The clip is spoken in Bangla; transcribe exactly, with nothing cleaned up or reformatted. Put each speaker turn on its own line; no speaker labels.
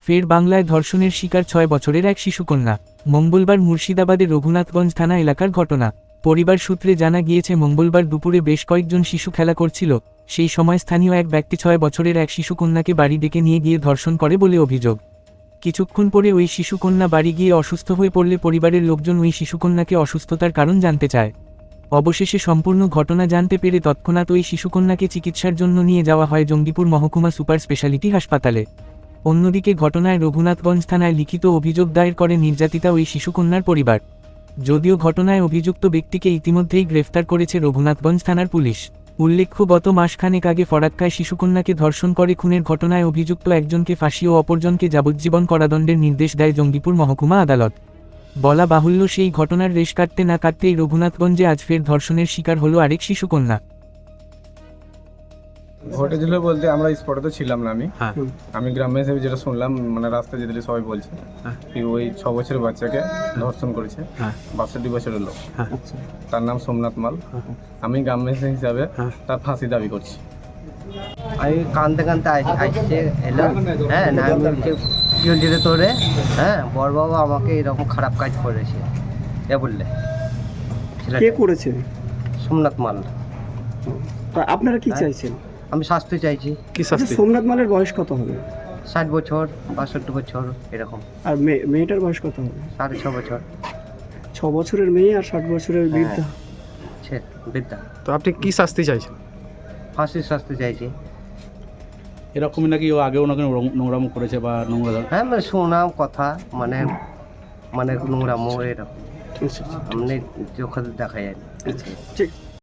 ফের বাংলায় ধর্ষণের শিকার ছয় বছরের এক শিশুকন্যা। মঙ্গলবার মুর্শিদাবাদের রঘুনাথগঞ্জ থানা এলাকার ঘটনা। পরিবার সূত্রে জানা গিয়েছে, মঙ্গলবার দুপুরে বেশ কয়েকজন শিশু খেলা করছিল। সেই সময় স্থানীয় এক ব্যক্তি ছয় বছরের এক শিশুকন্যাকে বাড়ি ডেকে নিয়ে গিয়ে ধর্ষণ করে বলে অভিযোগ। কিছুক্ষণ পরে ওই শিশুকন্যা বাড়ি গিয়ে অসুস্থ হয়ে পড়লে পরিবারের লোকজন ওই শিশুকন্যাকে অসুস্থতার কারণ জানতে চায়। অবশেষে সম্পূর্ণ ঘটনা জানতে পেরে তৎক্ষণাৎ ওই শিশুকন্যাকে চিকিৎসার জন্য নিয়ে যাওয়া হয় জঙ্গিপুর মহকুমা সুপার স্পেশালিটি হাসপাতালে। অন্যদিকে ঘটনায় রঘুনাথগঞ্জ থানায় লিখিত অভিযোগ দায়ের করে নির্যাতিতা ওই শিশুকন্যার পরিবার। যদিও ঘটনায় অভিযুক্ত ব্যক্তিকে ইতিমধ্যেই গ্রেফতার করেছে রঘুনাথগঞ্জ থানার পুলিশ। উল্লেখ্য, গত মাসখানেক আগে ফরাক্কায় শিশুকন্যাকে ধর্ষণ করে খুনের ঘটনায় অভিযুক্ত একজনকে ফাঁসি ও অপরজনকে যাবজ্জীবন কারাদণ্ডের নির্দেশ দেয় জঙ্গিপুর মহকুমা আদালত। বলা বাহুল্য, সেই ঘটনার রেশ কাটতে না কাটতেই রঘুনাথগঞ্জে আজ ফের ধর্ষণের শিকার হলো আরেক শিশুকন্যা।
ঘটেছিল বলতে আমরা স্পটে তো ছিলাম না। আমি
হ্যাঁ
আমি গ্রামে এসে যেটা শুনলাম, মানে রাস্তায় যেতে সবাই বলছে
হ্যাঁ।
কি ওই ছ বছরের বাচ্চাকে ধর্ষণ করেছে
হ্যাঁ
বাষট্টি বছরের লোক।
হ্যাঁ
তার নাম সোমনাথ মাল।
হ্যাঁ।
আমি গ্রামে এসে হিসাবে
হ্যাঁ।
তার ফাঁসি দাবি করছি।
আমি কানতে কানতে আস- আসছে এলো, হ্যাঁ না আমি বলছি কী হচ্ছে রে তোরে, হ্যাঁ বড় বাবা আমাকে এরকম খারাপ কাজ করেছে এ বললে।
কে করেছে?
সোমনাথ মাল।
তা আপনারা কি
হ্যাঁ।
চাইছেন?
আমি শাস্তি চাইছি।
কি
আচ্ছা,
শাস্তি?
সোমনাথ মালের বয়স কত হবে?
ষাট বছর বাষট্টি বছর এরকম,
আর মেয়ে- মেয়েটার বয়স কত হবে?
সাড়ে ছ বছর।
ছ বছরের মেয়ে আর ষাট বছরের বৃদ্ধা।
সে বিদ্যা
তো আপনি কি শাস্তি চাইছেন?
ফাঁসির শাস্তি চাইছি।
এরকমই নাকি ও আগেও নাকি নোং- নোংরামো করেছে বা নোংরা ধর-
হ্যাঁ মানে শোনাও কথা, মানে মানে নোংরা মোড় এরকম
আচ্ছা, আচ্ছা,
এমনি চোখে দেখা যায় না।
ঠিক